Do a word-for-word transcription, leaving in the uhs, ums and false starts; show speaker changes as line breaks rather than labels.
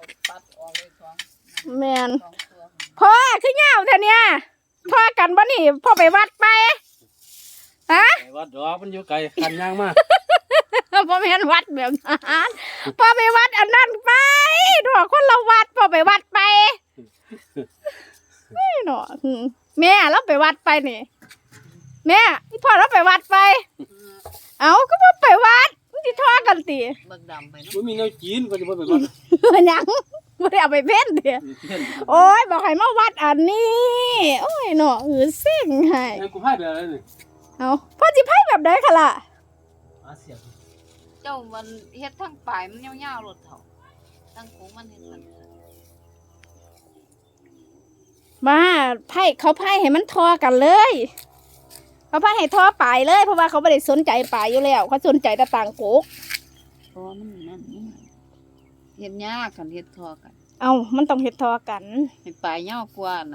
ปัดออกเลยสอง
แม่นพ่อคือเหงาเท่านี้พ่อกันบ่นี่พ่อไปวัดไปฮะ
ไปวัดดอกมันอยู่ไกลคันย่างมาก
พ่อไม่เห็นวัดแบบนั้นพ่อไปวัดอันนั้นไปดอกคนละวัดพ่อไปวัดไปไม่หนอแม่เราไปวัดไปนี่แม่พ่อเราไปวัดไปเอาก็พ่อไปวัดมันจะทอกันตี
เบิกดำไปเนาะ
มันมีแนวจีนก็จะบ่ไปวัด
ยังไม่ได้เอาไปเพ่นเดียโอ้ยบอกให้มาวัดอันนี้โอ้ยหนอเออเส้งให้
ไอ้กูพายไปอะไรนี่
เอาพ่อจิไพ่แบบใดคะล่ะ
อาเสียบ
เจ้ามันเฮ็ดทั้งปลายมันยาวๆรถเถาทั้งโค้งมันเฮ็ดมัน
มาไพ่เขาไพ่ให้มันทอกันเลยเขาไพ่ให้ทอปลายเลยเพราะว่าเขาไม่ได้สนใจปลายอยู่แล้วเขาสนใจแต่ต่างโกก
เพราะว่ามันนั่นมันเฮ็ดยากกันเฮ็ดทอกัน
เอามันต้องเห็ดทอกัน
ให้ปลายยาวกว่า